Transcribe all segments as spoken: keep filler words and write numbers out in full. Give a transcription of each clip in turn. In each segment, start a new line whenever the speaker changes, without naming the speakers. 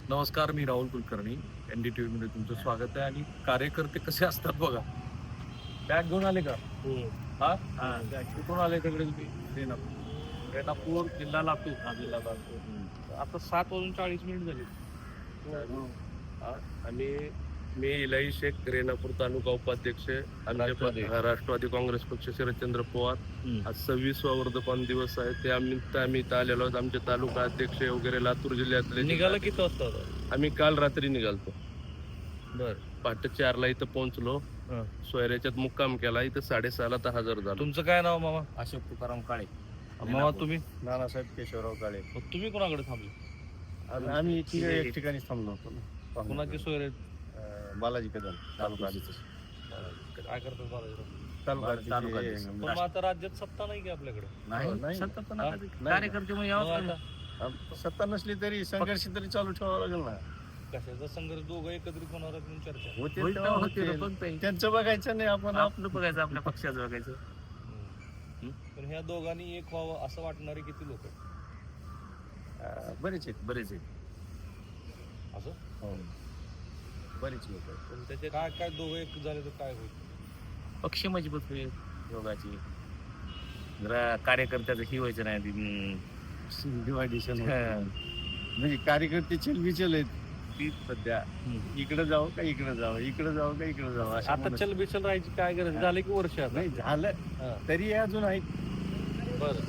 नमस्कार, मी Rahul Kulkarni. N D T व्हीमध्ये तुमचं स्वागत आहे. आणि कार्यकर्ते कसे असतात बघा. बॅग घेऊन आले का?
हम्म.
हा
हा.
बॅग कुठून आले तिकडे तुम्ही? रेणापूर रेणापूर जिल्हा लातूर.
हा, जिल्हा लातूर.
आता सात वाजून चाळीस मिनिट झाली. हा, आणि मी इलाई शेख, रेणापूर तालुका उपाध्यक्ष, आमचे
राष्ट्रवादी.
प- राष्ट्रवादी काँग्रेस पक्ष, शरदचंद्र पवार.
हम्म.
आज सव्वीसवा वर्धमान दिवस आहे. त्या निमित्त आम्ही इथं आलेलो आहोत. आमचे तालुका अध्यक्ष वगैरे लातूर जिल्ह्यातले
निघाला किती वाजता होता?
आम्ही काल रात्री निघालतो.
बर.
पहाटे चारला इथं पोहोचलो.
हा.
सोयऱ्याच्यात मुक्काम केला. इथं साडेसहाला तर हजर झालो.
तुमचं काय नाव मामा?
अशोक तुकाराम काळे.
मामा तुम्ही?
नानासाहेब केशवराव काळे.
मग तुम्ही कोणाकडे थांबले?
आणि आम्ही तिघे एक ठिकाणी थांबलो होतो ना.
कोणाची सोय रे?
अं, बालाजी कदम तालुका
काय करतात बाळाजी?
तालुका
तालुका
तिथे
अध्यक्ष.
पण मग आता राज्यात सत्ता नाही की आपल्याकडे?
नाही
नाही.
सत्ता तर
हा?
नका. कार्यकर्ते मग
मग
यावंच
आता
लागेल.
अं, सत्ता नसली तरी संघर्ष तरी चालू ठेवावा लागेल ना.
कशाचा संघर्ष? दोघं एकत्रित होणार आहेत म्हणून चर्चा.
होते
होईल
तेव्हा
तेव्हा होते
होते.
ना, पण ते-
त्यांचं बघायचं नाही आपण आप-
आपलं बघायचं, आपल्या पक्षाचं बघायचं.
हम्म. पण ह्या दोघांनी एक व्हावं असं वाटणारे किती लोक आहेत?
अं, बरेच आहेत.
बरेच आहे.
असं
हो. बरेच लोक आहेत.
पण त्याचे काय काय दोघं एक झाले तर काय होईल?
पक्ष मजबूत होईल योगाची. जरा कार्यकर्त्याचं ही व्हायचं नाही ती, हम्म,
डिवायडेशन
हा.
म्हणजे कार्यकर्ते चलबिचल आहेत ती सध्या.
हम्म.
इकडे जाऊ का इकडे जावं, इकडे जाऊ का इकडे जावं अशा
आता
मनात-
चल बिचल राहायची काय गरज? झाले की वर्ष आता?
नाही झालं
हा.
तरी अजून आहे.
बरं.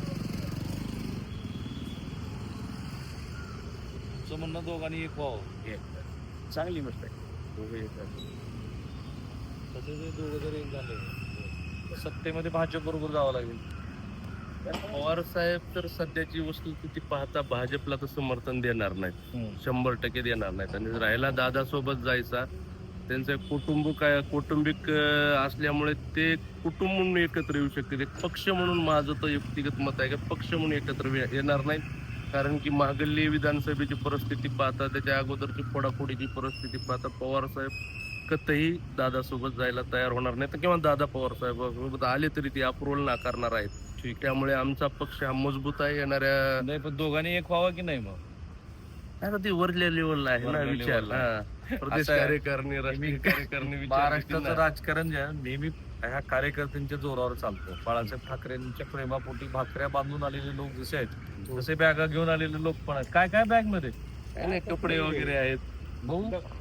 तुमचं म्हणणं दोघांनी एक व्हावं.
चांगली गोष्ट आहे. दोघे येतात.
तसे जे दोघं जर एक झाले सत्तेमध्ये भाजप बरोबर जावं लागेल.
पवार साहेब तर सध्याची वस्तुस्थिती पाहता भाजपला तर समर्थन देणार नाहीत, शंभर टक्के देणार नाहीत. आणि राहिला दादा सोबत जायचा, त्यांचं एक कुटुंब काय कौटुंबिक अं, असल्यामुळे ते कुटुंब म्हणून एकत्र येऊ शकते. एक पक्ष म्हणून माझं तर व्यक्तिगत मत आहे की पक्ष म्हणून एकत्र ये- येणार नाही. कारण की मागली विधानसभेची परिस्थिती पाहता, त्याच्या अगोदरची फोडाफोडीची परिस्थिती पाहता पवार साहेब कतही दादासोबत जायला तयार होणार नाही, तर किंवा दादा पवार साहेब आले तरी ते अप्रुव्हल नाकारणार आहेत. ठीक, त्यामुळे आमचा पक्ष हा मजबूत आहे. येणाऱ्या
नाही पण दोघांनी एक व्हावं की नाही? मग
आता ते वरल्या लेवलला आहे ना
वरल्या
विचार.
level
हा. प्रदेश
असं आहे.
कार्यकारिणी, राष्ट्रीय कार्यकारिणी विचार
महाराष्ट्राचं
देतील ना.
राजकारण जे आहे नेहमी ह्या कार्यकर्त्यांच्या जोरावर चालतं. बाळासाहेब ठाकरेंच्या प्रेमापोटी भाकऱ्या बांधून आलेले लोक जसे आहेत तसे बॅगा घेऊन आलेले लोक पण आहेत. काय काय बॅग मध्ये?
काय नाही, कपडे वगैरे आहेत.
भाऊ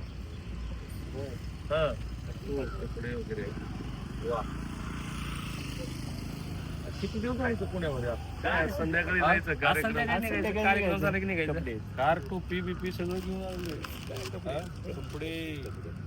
हा. कपडे वगैरे आहेत.
किती दिवस राहायचं पुण्यामध्ये आपण?
काय संध्याकाळी
हा?
जायचं
आज
कार्यक्रम.
संध्याकाळी निघायचं,
संध्याकाळी
कार्यक्रम
निघायचं.
झाला की निघायचं.
कपडे.
कार, टोपी बिपी सगळं घेऊन आलेलं
हा? कपडे.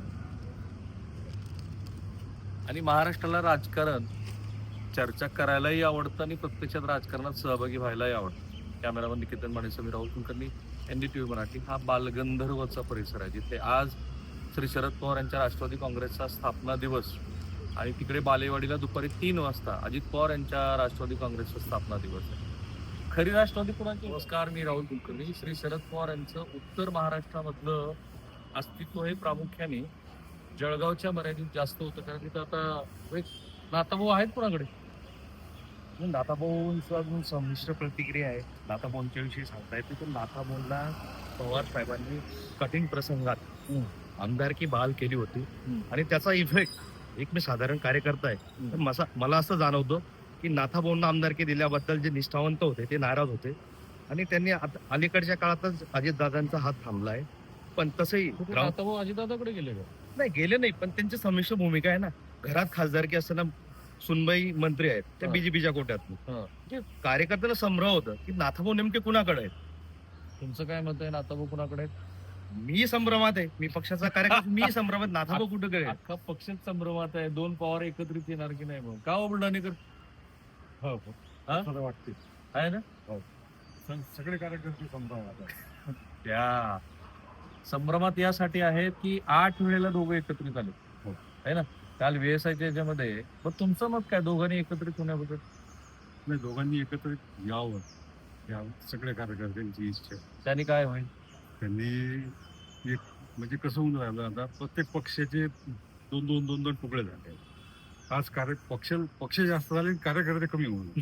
आणि महाराष्ट्राला राजकारण चर्चा करायलाही आवडतं आणि प्रत्यक्षात राजकारणात सहभागी व्हायलाही आवडतं. कॅमेरामन निकेतन मानेसह मी Rahul Kulkarni, N D T V Marathi. हा बालगंधर्वचा परिसर आहे जिथे आज श्री शरद पवार यांच्या राष्ट्रवादी काँग्रेसचा स्थापना दिवस आणि तिकडे बालेवाडीला दुपारी तीन वाजता अजित पवार यांच्या राष्ट्रवादी काँग्रेसचा स्थापना दिवस आहे. खरी राष्ट्रवादी कोणाची? नमस्कार, मी राहुल कुलकर्णी. श्री शरद पवार यांचं उत्तर महाराष्ट्रामधलं अस्तित्व हे प्रामुख्याने जळगावच्या मर्यादित जास्त होतं, कारण तिथं आता एक नाताभाऊ आहेत कोणाकडे? नाथाभाऊंचं अजून संमिश्र प्रतिक्रिया आहे. नाथाभाऊंच्या विषयी सांगता येते तर नाथाभाऊंना पवार साहेबांनी कठीण प्रसंगात आमदारकी बहाल केली होती आणि त्याचा इफेक्ट एक मी साधारण कार्यकर्ता आहे तर मसा मला असं जाणवतं की नाथाभाऊंना आमदारकी दिल्याबद्दल जे निष्ठावंत होते ते नाराज होते आणि त्यांनी आता अलीकडच्या काळातच अजितदादांचा हात थांबला आहे. पण तसंही ग्राउंड-
आता भाऊ अजितदादाकडे गेले का?
नाही गेले नाही, पण त्यांची संमिश्र भूमिका आहे ना. घरात खासदारकी असताना सुनबाई मंत्री आहेत त्या
हा.
बीजेपीच्या कोट्यात.
हा.
म्हणजे कार्यकर्त्याला संभ्रम होतं की नाथाभाऊ नेमके कुणाकडे आहेत.
तुमचं काय मत आहे? आता भाऊ कुणाकडे आहेत?
मी संभ्रमात आहे, मी पक्षाचा कार्यकर्ता, मी संभ्रमात. नाथाभाऊ कुठे आहे?
अख्खा पक्षच संभ्रमात आहे. दोन पवार एकत्रित येणार की नाही? मग का बुलढाणेकर
हो
हा?
खरं वाटते.
आहे ना?
सगळे कार्यकर्ते संभ्रमात.
त्या संभ्रमात यासाठी आहेत की आठ वेळेला दोघं एकत्रित आले.
हो.
आहे ना? काल व्हीएसआयच्या याच्यामध्ये. पण तुमचं मत काय दोघांनी एकत्रित होण्याबद्दल?
नाही, दोघांनी एकत्रित यावं या सगळ्या कार्यकर्त्यांची इच्छा आहे.
त्यांनी काय होईल?
त्यांनी एक म्हणजे कसं होऊन राहिलं आता प्रत्येक पक्षाचे दोन दोन दोन दोन तुकडे झाले. आज कार्य पक्ष पक्ष जास्त झाले आणि कार्यकर्ते कमी होऊन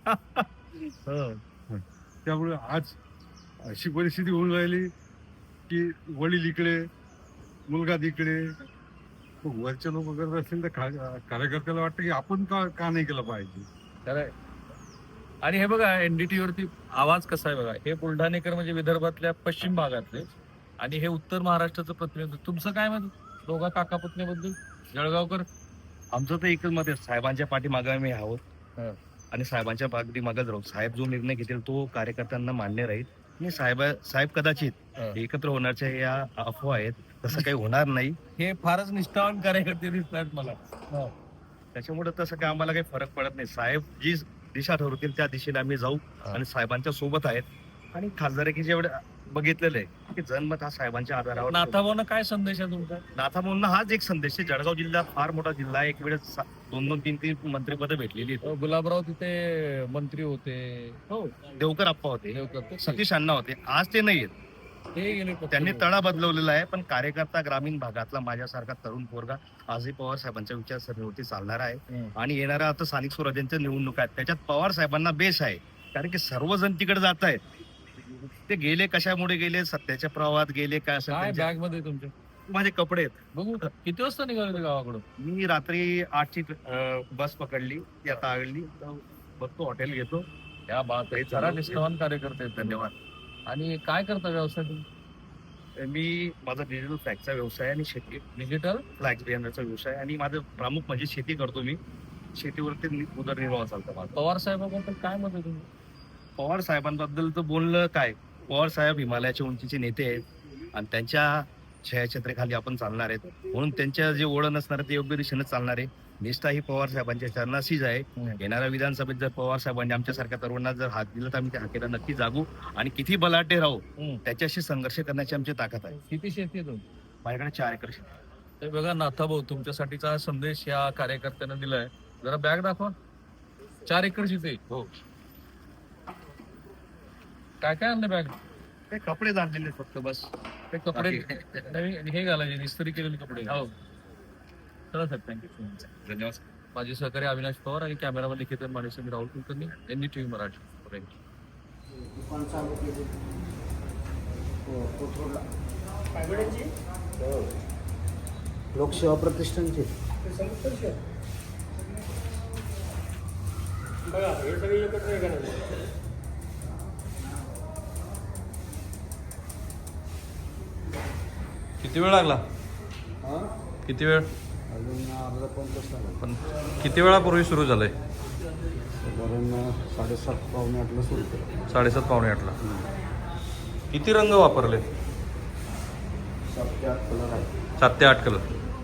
हो.
त्यामुळे आज अशी परिस्थिती होऊन राहिली की वडील इकडे मुलगा तिकडे, मग वरचे लोक करत असतील तर खा- कार्यकर्त्याला वाटतं की आपण का का नाही केलं पाहिजे.
खरंय. आणि हे बघा एनडीटी वरती आवाज कसा आहे बघा. हे बुलढाणेकर म्हणजे विदर्भातल्या पश्चिम भागातले आणि हे उत्तर महाराष्ट्राचं प्रतिनिधित्व. तुमचं काय मत दोघा काका पुतण्याबद्दल जळगावकर?
आमचं तर एकच मत आहे, साहेबांच्या पाठीमागे आम्ही आहोत
हं.
आणि साहेबांच्या पाठीमागेच राहू. साहेब जो निर्णय घेतील तो कार्यकर्त्यांना मान्य राहील आणि साहेब साहेब कदाचित
हं.
एकत्र होण्याच्या या अफवा आहेत, तसं काही होणार नाही.
हे फारच निष्ठावान कार्यकर्ते दिसतात मला.
त्याच्यामुळे तसं काय आम्हाला काही फरक पडत नाही. साहेब जी दिशा ठरवतील त्या दिशेने आम्ही जाऊ
हा.
आणि साहेबांच्या सोबत आहेत आणि खासदारकी जेवढे बघितलेलं आहे की जनमत हा साहेबांच्या आधारावर.
नाथाभाऊंना काय संदेश आहे तुमचा?
नाथाभाऊंना हाच एक संदेश आहे. जळगाव जिल्हा फार मोठा जिल्हा आहे. एक वेळेस सा- दोन दोन तीन तीन मंत्रिपदं भेटलेली आहेत.
अ, गुलाबराव तिथे मंत्री होते. हो
देवकर आप्पा होते,
देवकर.
सतीश अण्णा होते, आज ते नाही आहेत.
ते गेले पक्ष
त्यांनी
बदलून.
तळा बदलवलेला आहे. पण कार्यकर्ता ग्रामीण भागातला माझ्यासारखा तरुण पोरगा आजही पवार साहेबांच्या विचारसरणीवरती चालणार आहे.
हं.
आणि येणाऱ्या आता स्थानिक स्वराज्यांच्या निवडणुका आहेत, त्याच्यात पवार साहेबांना बेस आहे. कारण की सर्वजण तिकडे जात आहेत. ते गेले कशामुळे गेले, सत्याच्या प्रवाहात गेले काय असं
काय
त्यांच्या-
बॅग मध्ये तुमच्या
माझे कपडे आहेत.
बघू किती वाजता निघाले ते गावाकडून?
मी रात्री आठची अं, बस पकडली, ती आता आगली, तर बघतो हॉटेल घेतो.
या बात आहे. जरा निष्ठावान कार्यकर्ते आहेत. धन्यवाद. आणि काय करता व्यवसाय तुम्ही?
मी माझा डिजिटल फ्लॅगचा व्यवसाय आणि शेती
डिजिटल
फ्लॅक्स बियाण्याचा व्यवसाय आणि माझं प्रमुख म्हणजे शेती करतो मी. शेतीवरती नि- उदरनिर्वाह चालतो माझा.
पवार साहेबाबद्दल काय मत आहे तुम्ही?
पवार साहेबांबद्दल तर बोललं काय, पवार साहेब हिमालयाच्या उंचीचे नेते आहेत आणि त्यांच्या छायाचित्राखाली आपण चालणार आहेत. म्हणून त्यांच्या जे ओढ असणार आहे ते योग्य दिशेने चालणार आहे. निष्ठा ही पवार साहेबांच्या चरणाशीच आहे. येणाऱ्या विधानसभेत जर पवार साहेबांनी आमच्यासारख्या तरुणांना जर हात दिला तर आम्ही त्या हाकेला नक्की जागू आणि किती बलाढ्य राहू
हं.
त्याच्याशी संघर्ष करण्याची आमची ताकद आहे.
किती शेती आहे तुमची?
माझ्याकडे चार एकर शेती आहे.
ते बघा नाथाभाऊ तुमच्यासाठीचा हा संदेश या कार्यकर्त्यांना दिलाय. जरा बॅग दाखवा. चार एकर शेती.
हो,
काय काय आणलं बॅग?
ते कपडे आणलेले आहेत फक्त बस.
ते कपडे नवीन हे घालायचे इस्त्री केलेले कपडे. हो चला सर थँक्यू.
धन्यवाद.
माझे सहकारी अविनाश पवार आणि कॅमेरामॅन निकेतन मानेसमी राहुल कुलकर्णी यांनी टीव्ही मराठी. Thank you.
लोकसेवा प्रतिष्ठानचे
किती वेळ लागला? किती वेळ?
अजून अर्धा पाऊण तास लागला.
पण किती वेळापूर्वी सुरू झालंय?
साधारण साडेसात पावणे आठला सुरू केलं.
साडेसात पावणे आठला. किती रंग वापरले?
सात ते आठ कलर आहे.
सात ते आठ कलर.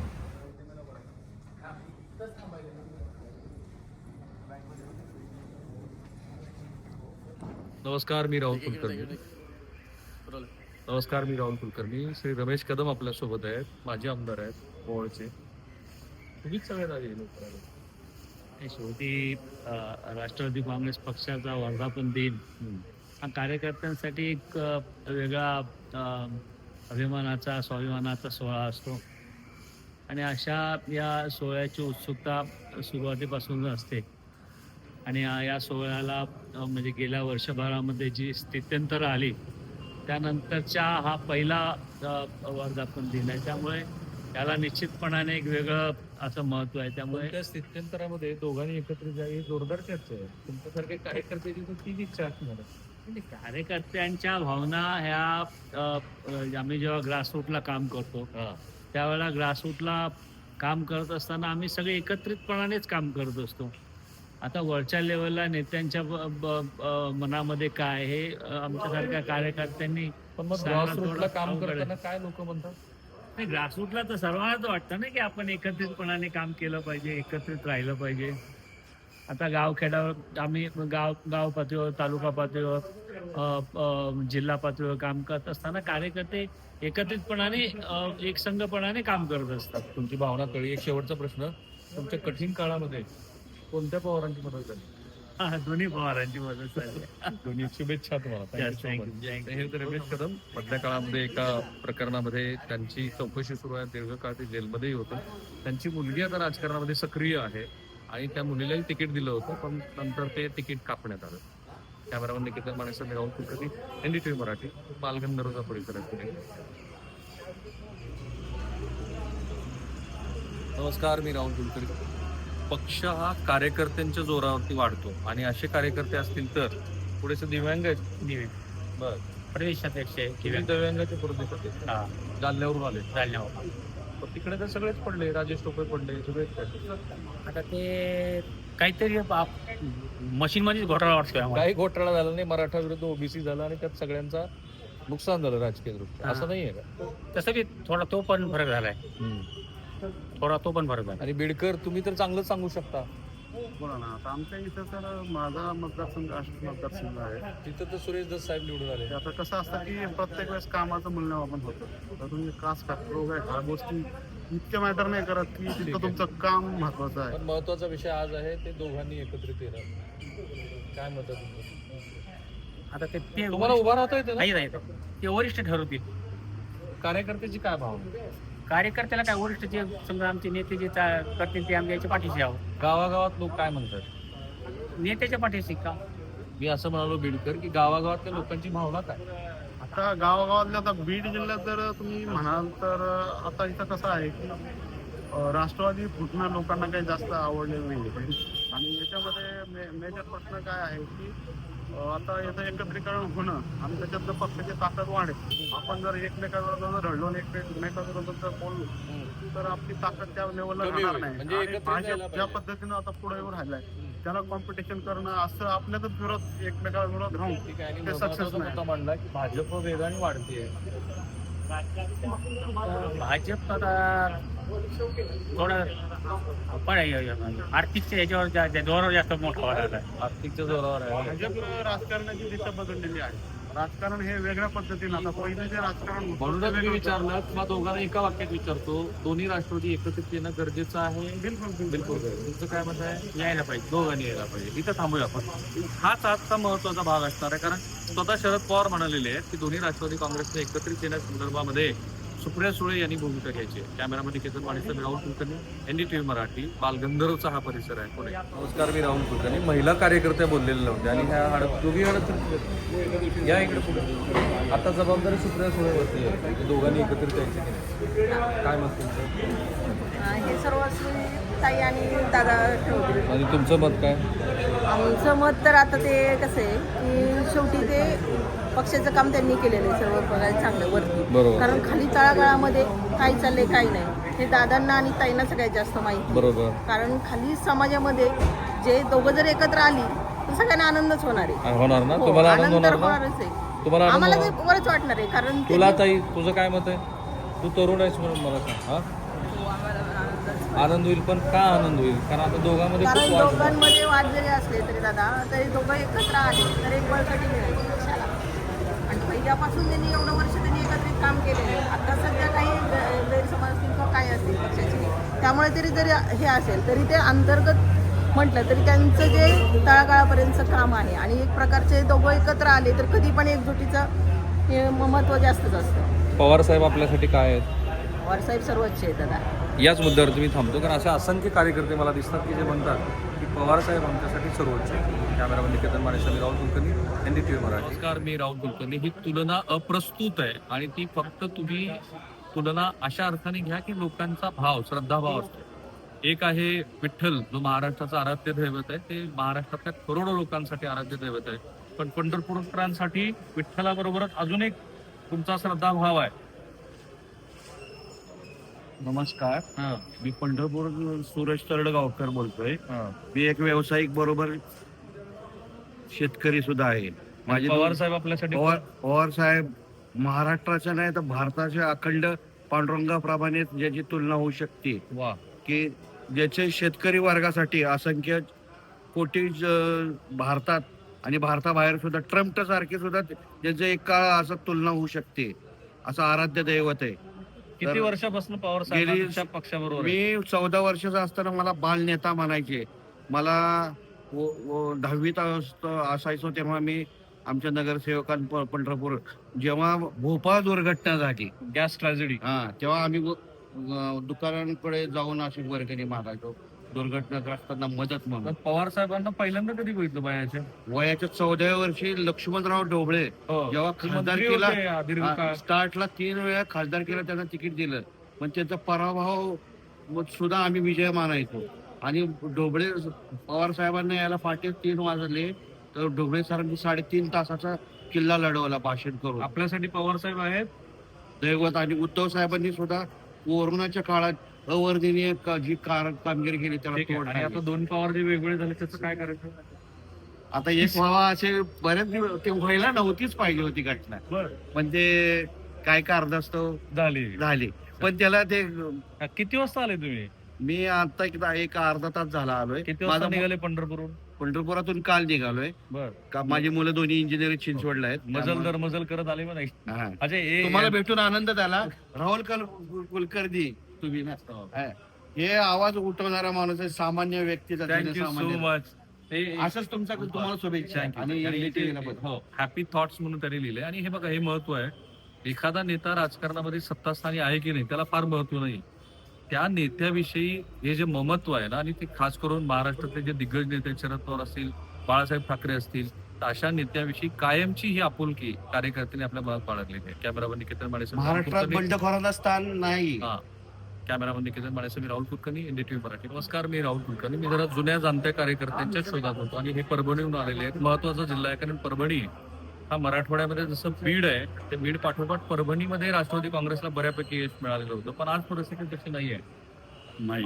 नमस्कार मी राहुल कुलकर्णी. नमस्कार मी राहुल कुलकर्णी. श्री रमेश कदम आपल्या सोबत आहेत. माझे आमदार आहेत मोहोळचे. तुम्हीच सगळ्यात आधी लोक आले.
आणि शेवटी अ, राष्ट्रवादी काँग्रेस पक्षाचा वर्धापन दिन हा कार्यकर्त्यांसाठी एक अ, वेगळा अ, अभिमानाचा स्वाभिमानाचा सोहळा असतो आणि अशा या सोहळ्याची उत्सुकता सुरुवातीपासून असते आणि या या सोहळ्याला अ, म्हणजे गेल्या वर्षभरामध्ये जी स्थित्यंतरं आली त्यानंतरच्या हा पहिला अ, वर्धापन दिन आहे. त्यामुळे त्याला निश्चितपणाने एक वेगळं असं महत्त्व आहे. त्यामुळे
त्या स्थित्यंतरामध्ये दोघांनी एकत्र जावी जोरदार चर्चा आहे. तुमच्यासारखे कार्यकर्त्याची तर तीच इच्छा असणार आहे.
म्हणजे कार्यकर्त्यांच्या भावना ह्या अ, अ, आम्ही जेव्हा ग्रासरूटला काम करतो त्यावेळेला ग्रासरूटला काम करत असताना आम्ही सगळे एकत्रितपणानेच काम करत असतो. आता वरच्या लेवलला नेत्यांच्या ब- ब- अ, मनामध्ये काय हे अ, आमच्यासारख्या कार्यकर्त्यांनी
पण मग
सांगणं
ग्रासरूटला
थोडं
काम
अवघड आहे.
करताना काय लोक म्हणतात?
नाही ग्रासरूटला तर सर्वांनाच वाटतं ना की आपण एकत्रितपणाने काम केलं पाहिजे, एकत्रित राहिलं पाहिजे. आता गावखेड्यावर आम्ही गाव गाव पातळीवर तालुका पातळीवर अ, अ, जिल्हा पातळीवर काम करत असताना कार्यकर्ते एकत्रितपणाने अ, एकसंघपणाने काम करत असतात.
तुमची भावना कळली. एक शेवटचा प्रश्न. तुमच्या कठीण काळामध्ये कोणत्या पवारांची मदत झाली?
हा, दोन्ही पवारांची मदत झाली.
दोन्ही शुभेच्छा तुम्हाला. Thank you
Yes,
so
thank
much.
you, thank you.
हे होते रमेश कदम. मधल्या काळामध्ये एका प्रकरणामध्ये त्यांची चौकशी सुरू आहे. दीर्घकाळ ते जेलमध्येही होतं. त्यांची मुलगी आता राजकारणामध्ये सक्रिय आहे आणि त्या मुलीलाही तिकीट दिलं होतं पण नंतर ते तिकीट कापण्यात आलं. कॅमेरामन निकेतन मानेसह मी राहुल कुलकर्णी, एनडीटीव्ही मराठी, बालगंधर्वचा परिसर आहे पुणे. नमस्कार, मी राहुल कुलकर्णी. पक्ष हा कार्यकर्त्यांच्या जोरावरती वाढतो आणि असे कार्यकर्ते असतील तर पुढेचे दिव्यांग आहेत.
दिवे
बर,
प्रदेशाध्यक्ष आहे
तुम्ही दिव्यांगाचे प्रदेश होते,
हा
जालन्यावरून आले.
जालन्यावर.
पण तिकडे तर सगळेच पडले, राजेश टोपे पडले, सगळेच पडले.
आता ते काहीतरी मशीन मध्येच घोटाळा वाटतोय आम्हाला.
काही घोटाळा झाला नाही, मराठा विरुद्ध ओबीसी झाला आणि त्यात सगळ्यांचा नुकसान झालं राजकीय दृष्ट्या, असं नाहीये का?
तसं की थोडा तो पण फरक झालाय, थोडा तो पण फरक झाला.
आणि बीडकर तुम्ही तर चांगलंच सांगू शकता.
बोला ना, आता आमच्या इथं तर माझा मतदारसंघ आष्टी मतदारसंघ आहे.
तिथं तर सुरेश दस साहेब निवडून आले.
ते आता कसं असतं की प्रत्येक वेळेस कामाचं मूल्यमापन होतं. तर तुम्ही कास्ट रोग आहे ह्या गोष्टी इतके मॅटर नाही करत की
ठीक
तिथं
आहे.
तुमचं काम महत्वाचं आहे.
पण महत्वाचा विषय आज आहे ते दोघांनी एकत्रित येणं. काय मत आहे तुमचं?
आता ते ते
तुम्हाला उभा राहता येते ना?
नाही नाही ते वरिष्ठ ठरवतील.
कार्यकर्त्याची काय भावना?
कार्यकर्त्याला काय वरिष्ठ जे समजा आमचे नेते जे चा- करतील ते आमच्या पाठीशी आहोत.
गावागावात लोक काय म्हणतात?
नेत्याच्या पाठीशी का?
मी असं म्हणालो बीडकर की गावागावातल्या लोकांची भावना काय?
आता गावागावातल्या आता बीड जिल्ह्यात जर तुम्ही म्हणाल तर आता इथं कसं आहे की अं, राष्ट्रवादी फुटणं लोकांना काही जास्त आवडलेलं नाही. आणि याच्यामध्ये मे मेजर प्रश्न काय आहे की अं, आता याचं एकत्रीकरण होणं आणि त्याच्यातलं पक्षाची ताकद वाढेल. आपण जर एकमेकांवर जर रडलो आणि एकमेकांबरोबर जर बोललो तर आपली ताकद त्या लेवलला
कमी
राहणार
होईल.
नाही.
म्हणजे
आणि
एकत्रित
भाजप
जायला
ज्या
पाहिजे.
पद्धतीनं आता पुढे येऊन राहिलाय त्याला कॉम्पिटिशन करणं असं आपल्यातच विरोध एकमेकांविरोध राहून
ठीक आहे. आणि
ते
महत्वाचा
सक्सेस नाही.
मुद्दा मांडला की भाजप वेगाने वाढतीये.
भाजप आता थोडं पण आर्थिकच्या याच्यावर जा- जा- जोरावर जास्त मोठा वाढायला आहे.
आर्थिकच्या जोरावर आहे.
भाजप राजकारणाची दिशा बदललेली आहे. राजकारण हे वेगळ्या पद्धतीनं आता पहिले जे राजकारण होतं,
म्हणूनच
ते
मी
वेगळं होतं.
विचारलं किंवा दोघांना एका वाक्यात विचारतो, दोन्ही राष्ट्रवादी एकत्रित येणं गरजेचं आहे?
बिलकुल बिलकुल
बिलकुल. तुमचं काय मत आहे?
यायला पाहिजे.
दोघांनी यायला पाहिजे. इथं थांबूया आपण. हाच आजचा महत्वाचा भाग असणार आहे, कारण स्वतः शरद पवार म्हणालेले आहेत की दोन्ही राष्ट्रवादी काँग्रेसने एकत्रित येण्यासंदर्भामध्ये सुप्रिया सुळे यांनी भूमिका घ्यायची आहे. कॅमेरामन निकेतन मानेसह मी राहुल कुलकर्णी, एनडीटीव्ही मराठी, बालगंधर्वचा हा परिसर आहे पुणे. नमस्कार, मी राहुल कुलकर्णी. महिला कार्यकर्त्या बोललेल्या नव्हत्या आणि ह्या हडप दोघी हडप या इकडे पुढे. आता जबाबदारी सुप्रिया सुळेवरती आहे की दोघांनी एकत्रित यायची की नाही. काय मत तुमचं?
हे सर्व ताई आणि दादा ठेवतील.
आणि तुमचं मत काय?
आमचं मत तर आता ते कसं आहे की शेवटी ते पक्षाचं काम त्यांनी केलेलं आहे सर्व बघायला चांगलं वरती.
बरोबर.
कारण खाली तळागाळामध्ये काय चाललंय काय नाही हे दादांना आणि ताईंना सगळ्यात जास्त माहिती.
बरोबर.
कारण खाली समाजामध्ये जे दोघं जर एकत्र आली तर सगळ्यांना आनंदच होणार आहे.
होणार ना?
हो,
तुम्हाला आनंद
आनंद तर
होणार ना?
होणारच आहे.
तुम्हाला आनंद
आम्हाला ते
होणार?
बरंच वाटणार आहे कारण ते-
तुला ताई तुझं काय मत आहे? तू तरुण आहेस म्हणून मला सांग. हा,
हो, आम्हाला आनंदच.
आनंद होईल, पण का आनंद होईल? कारण आता दोघांमध्ये
कारण
खूप वाद झाला.
दोघांमध्ये वाद जरी असले तरी दादा तरी दोघं एकत्र आले तर एक बळकटी मिळाली पक्षाला. आणि पहिल्यापासून त्यांनी एवढं वर्ष त्यांनी एकत्रित काम केलेलं आहे. आता सध्या काही ग- गैरसमज असतील किंवा काय असतील पक्षाचे, त्यामुळे तरी जरी हे असेल तरी ते अंतर्गत म्हटलं तरी त्यांचं जे तळागाळापर्यंतचं काम आहे आणि एक प्रकारचे दोघं एकत्र आले तर कधी पण एकजुटीचं हे महत्त्व जास्तच असतं.
पवार साहेब आपल्यासाठी काय आहेत?
पवारसाहेब सर्वोच्च आहे दादा.
याच मुद्द्यावर तुम्ही थांबतो, कारण असे असंख्य कार्यकर्ते मला दिसतात की जे म्हणतात की पवार साहेब आमच्यासाठी सर्वोच्च आहे. कॅमेरामन निकेतन मानेसह मी राहुल कुलकर्णी, एनडीटीव्ही मराठी. नमस्कार, मी राहुल कुलकर्णी. ही तुलना अप्रस्तुत आहे आणि ती फक्त तुम्ही तुलना अशा अर्थाने घ्या की लोकांचा भाव, श्रद्धाभाव असतो. एक आहे विठ्ठल, जो महाराष्ट्राचा आराध्य दैवत आहे. ते महाराष्ट्रातल्या करोडो लोकांसाठी आराध्य दैवत आहे. पण पंढरपूरकरांसाठी विठ्ठलाबरोबरच अजून एक तुमचा श्रद्धाभाव आहे.
नमस्कार,
हा,
मी पंढरपूर सुरेश तरडगावकर बोलतोय.
हा.
मी एक व्यावसायिक बरोबर शेतकरी सुद्धा आहे. माझे
पवार
दोन-
साहेब आपल्यासाठी
पवार पवार साहेब महाराष्ट्राच्या नाही तर भारताच्या अखंड पांडुरंगाप्रमाणे ज्याची तुलना होऊ शकते,
वा,
की ज्याचे शेतकरी वर्गासाठी असंख्य कोटी ज- भारतात आणि भारताबाहेर सुद्धा ट्रम्प सारखे सुद्धा ज्याचे एक काळ असं तुलना होऊ शकते, असं आराध्य दैवत आहे.
किती
तर
वर्षापासून पवार
गेली-
साहेबांच्या पक्षाबरोबर आहे?
मी चौदा वर्षाचा असताना मला बाल नेता म्हणायचे. मला व- व- दहावीत असत- असायचो तेव्हा मी आमच्या नगरसेवकां प- पंढरपूर जेव्हा भोपाळ दुर्घटना झाली,
गॅस ट्रॅजेडी.
हा तेव्हा आम्ही व- अं, दुकानांकडे जाऊन अशी वर्गणी मागायचो. दुर्घटनाग्रस्तांना मदत म्हणून.
तर पवार साहेबांना पहिल्यांदा कधी बघितलं बायाच्या
वयाच्या चौदाव्या वर्षी लक्ष्मणराव ढोबळे जेव्हा खासदार केला
दीर्घकाळ
स्टार्टला तीन वेळा खासदार केला त्यांना तिकीट दिलं पण त्यांचा पराभव सुद्धा आम्ही विजय मानायचो आणि ढोबळे पवार साहेबांना यायला फाटे तीन वाजले तर ढोबळे सरांनी साडेतीन तासाचा किल्ला लढवला भाषण करून.
आपल्यासाठी पवार साहेब आहेत
दैवत. आणि उद्धव साहेबांनी सुद्धा कोरोनाच्या काळात अवर्णनीय का- जी कार- कामगिरी केली त्याला
ठीक आहे.
तोड
आणि
नाही.
आता दोन पवार जे वेगवेगळे झाले त्याचं काय करायचं?
आता एक व्हावा असे बरेच दिवस ते व्हायला नव्हतीच पाहिजे होती घटना
बरं.
पण ते काय कारणास्तव
झाली
झाली. पण त्याला ते
किती वाजता आले तुम्ही?
मी आता एकदा एक अर्धा तास झाला आलोय.
किती वाजता
माझा
निघाले पंढरपूरहून?
पंढरपुरातून काल निघालोय.
बर.
का माझी मुलं दोन्ही इंजिनिअरिंग चिंचवडला आहेत.
मजल दर मजल करत आले म्हणे.
हा.
अच्छा हे
तुम्हाला भेटून आनंद झाला. राहुल कल कुलकर्णी तुम्ही ना हा. हे आवाज उठवणारा माणूस आहे सामान्य व्यक्तीचा.
थँक्यू सो
जनसामान्य.
मच.
असंच तुमचा तुम्हाला शुभेच्छा. आणि एन डी टी व्ही ला पण.
हो हॅपी थॉट्स म्हणून त्यांनी लिहिले. आणि हे बघा हे महत्व आहे. एखादा नेता राजकारणामध्ये सत्तास्थानी आहे की नाही त्याला फार महत्व नाही. त्या नेत्याविषयी हे जे ममत्व आहे ना आणि ते खास करून महाराष्ट्रातले जे दिग्गज नेते शरद पवार असतील बाळासाहेब ठाकरे असतील तर अशा नेत्याविषयी कायमची ही आपुलकी कार्यकर्त्यांनी आपल्या मनात बाळगलेली आहे. कॅमेरामन निकेतन माने
महाराष्ट्रात बंडखोरांना स्थान नाही.
हा कॅमेरामन निकेतन माने मी राहुल कुलकर्णी एनडीटीव्ही मराठी. नमस्कार मी राहुल कुलकर्णी. मी जरा जुन्या जाणत्या कार्यकर्त्यांच्या शोधात होतो आणि हे परभणीहून आलेले आहेत. महत्वाचा जिल्हा आहे कारण परभणी हा मराठवाड्यामध्ये जसं बीड आहे ते बीड पाठोपाठ परभणीमध्ये राष्ट्रवादी काँग्रेसला बऱ्यापैकी यश मिळालेलं होतं पण आज परिस्थिती तशी नाही आहे.
नाही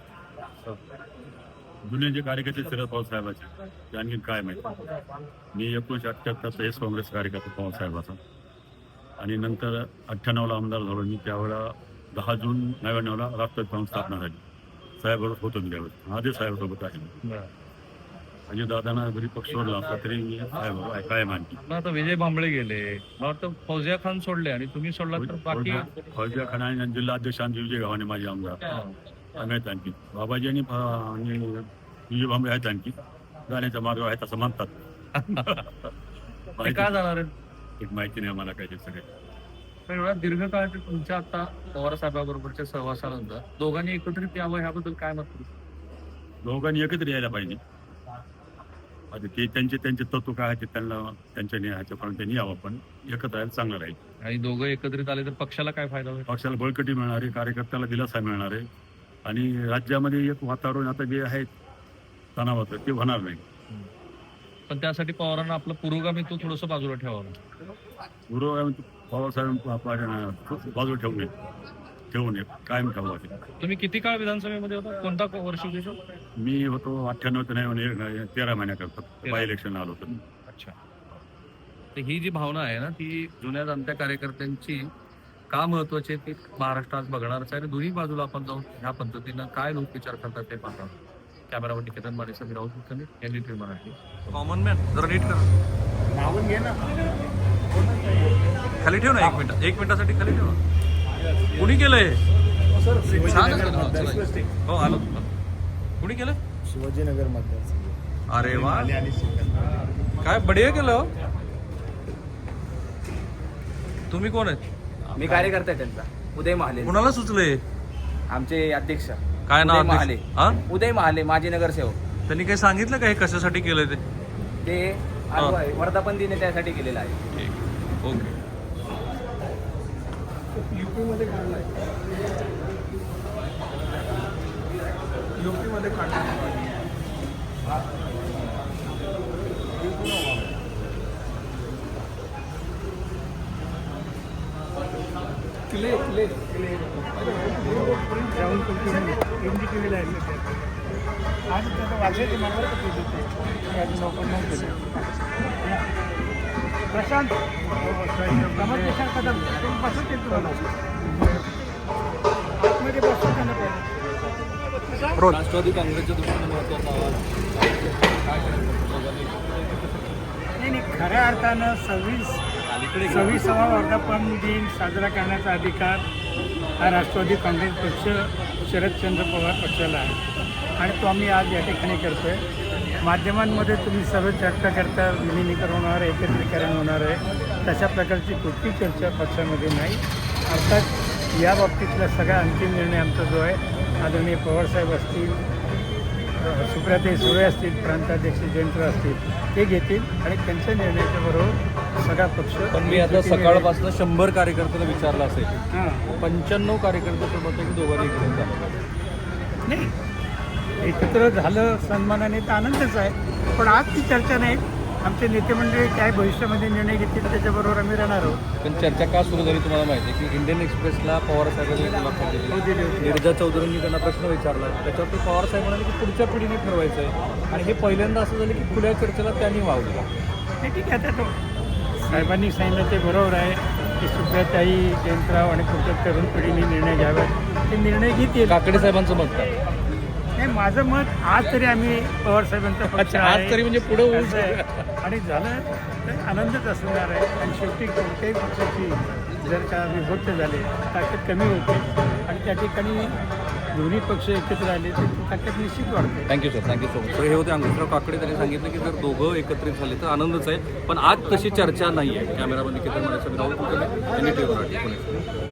जुने जे कार्यकर्ते शरद पवार साहेबाचे ते आणखी काय माहिती. मी एकोणीसशे अठ्ठ्याहत्तरचा एस काँग्रेस कार्यकर्ता पवार साहेबाचा आणि नंतर अठ्ठ्याण्णवला आमदार झालो मी. त्यावेळेला दहा जून नव्याण्णवला राष्ट्रवादी काँग्रेस स्थापना झाली. साहेबरोबर होतो मी त्यावेळेस. आधी साहेबसोबत आहे. म्हणजे दादांना जरी पक्ष सोडला असला तरी मी साहेब काय मानते.
आता विजय भांबळे गेले मला वाटतं फौजिया खान सोडले आणि तुम्ही सोडला तर बाकी
फौजिया खान आणि जिल्हा अध्यक्ष विजय गव्हाणे माझे आमदार आहेत. आणखी बाबाजी आणि आणि विजय भांबळे आहेत. आणखी जाण्याचा मार्ग आहे असं म्हणतात.
ते काय जाणार आहे
एक माहिती नाही मला काय ते सगळे.
पण एवढा दीर्घकाळ ते तुमच्या आता पवार साहेबाबरोबरच्या सहवासानंतर दोघांनी एकत्रित यावं ह्याबद्दल काय मत?
दोघांनी एकत्र यायला पाहिजे. आता ते त्यांचे त्यांचे तत्व काय आहे ते त्यांना त्यांच्या ह्याच्यापर्यंत त्यांनी यावं पण एकत्र यायला चांगलं राहील.
आणि दोघं एकत्रित आले तर पक्षाला काय फायदा होईल?
पक्षाला बळकटी मिळणार आहे. कार्यकर्त्याला दिलासा मिळणार आहे आणि राज्यामध्ये एक वातावरण आता जे आहे तणावाचं ते होणार नाही.
पण त्यासाठी पवारांना आपलं पुरोगामी तो थोडंसं बाजूला ठेवावं.
पूर्व पवार साहेब बाजू ठेवू नये ठेवू नये कायम ठेवू.
तुम्ही किती काळ विधानसभेमध्ये होता? कोणता वर्ष होते?
मी होतो अठ्ठ्याण्णव ते नाही तेरा महिन्याकरता बाय इलेक्शन आलो होतो.
अच्छा. तर ही जी भावना आहे ना ती जुन्या जाणत्या कार्यकर्त्यांची का महत्वाची आहे ती महाराष्ट्र आज बघणारच आहे. आणि दोन्ही बाजूला आपण जाऊन ह्या पद्धतीनं काय लोक विचार करतात ते पाहतात. कॅमेरावर निकेतन माने मी Rahul Kulkarni NDTV Marathi. Common man जरा नीट करा.
नावून घे ना.
खाली ठेव ना एक मिनिट एक मिनिटासाठी खाली ठेव ना. कुणी केलंय? हो आलो. कुणी केलं?
शिवाजीनगर मतदारसंघ.
अरे वा काय बढिया केलं. तुम्ही कोण आहेत?
मी कार्यकर्ता आहे त्यांचा उदय महाले.
कुणाला सुचले?
आमचे अध्यक्ष
काय नाव?
उदय महाले.
हा
उदय महाले माजी नगरसेवक.
त्यांनी काही सांगितलं का हे कशासाठी केलंय ते?
ते आज वर्धापन दिन त्यासाठी केलेलं आहे.
ओके.
युपीमध्ये काढलाय. युपीमध्ये काढलाय. किले किले किले राहुल कुलकर्णी एनडीटीव्हीला आहे. आज त्याचं वाचायचं मला अजून ओपन नाही केलं. प्रशांत कमल कदम तुम्ही बसून येतो मला आतमध्ये बसून त्यांना पाहिजे.
राष्ट्रवादी काँग्रेसच्या दृष्टीने महत्वाचा
नाही नाही खऱ्या अर्थानं सव्वीस सव्वीसावा वर्धापन दिन साजरा करण्याचा अधिकार हा राष्ट्रवादी काँग्रेस पक्ष शरदचंद्र पवार पक्षाला आहे आणि तो आम्ही आज या ठिकाणी करतो आहे. माध्यमांमध्ये तुम्ही सर्व चर्चा करता विलिनीकरण होणार आहे एकत्रीकरण होणार आहे तशा प्रकारची कुठली चर्चा पक्षामध्ये नाही. अर्थात या बाबतीतला सगळा अंतिम निर्णय आमचा जो आहे आदरणीय पवारसाहेब असतील सुप्रियाताई सुळे असतील, प्रांताध्यक्ष जयंत असतील, ते घेतील आणि त्यांच्या निर्णयाच्या बरोबर सगळा पक्ष.
पण मी आता सकाळपासून शंभर कार्यकर्त्यांना विचारलं असेल,
हां
पंच्याण्णव कार्यकर्ते मत आहे की दोघांनी एकत्र झालं.
नाही, एकत्र झालं सन्मानाने तर आनंदच आहे, पण आज ती चर्चा नाही. आमचे नेते मंडळी काय भविष्यामध्ये निर्णय घेतील त्याच्याबरोबर आम्ही राहणार आहोत.
पण चर्चा का सुरू झाली तुम्हाला माहिती आहे की इंडियन एक्सप्रेसला पवार साहेबांनी मुलाखत दिली, नीरजा चौधरींनी त्यांना प्रश्न विचारला, त्याच्यावर पवार साहेब म्हणाले की पुढच्या पिढीने ठरवायचं आहे. आणि हे पहिल्यांदा असं झालं की खुल्या चर्चेला त्यांनी वाव दिला.
नाही, ठीक आहे. आता तो साहेबांनी सांगितलं ते बरोबर आहे की सुप्रियाताई, जयंतराव आणि पुढच्या तरुण पिढीने निर्णय घ्यावेत. ते निर्णय घेतील.
काकडे साहेबांचं मत काय?
नाही, माझं मत आज तरी आम्ही पवार साहेबांचा पक्ष
अच्छा, आज
आहे.
तरी म्हणजे पुढे होऊ
असं आहे. आणि झालं तर आनंदच असणार आहे. आणि शेवटी कोणत्याही पक्षाची जर का विभक्त झाले, ताकद कमी होते आणि त्या ठिकाणी दोन्ही पक्ष एकत्र आले तर ती ताकद निश्चित वाढते.
Thank you sir, thank you so much. तर हे होते अंकुशराव काकडे. त्यांनी सांगितलं की जर दोघं एकत्रित झाले तर आनंदच आहे, पण आज तशी चर्चा नाही आहे. कॅमेरामध्ये किती म्हणायचं Rahul Kulkarni, N D T V Marathi, Pune.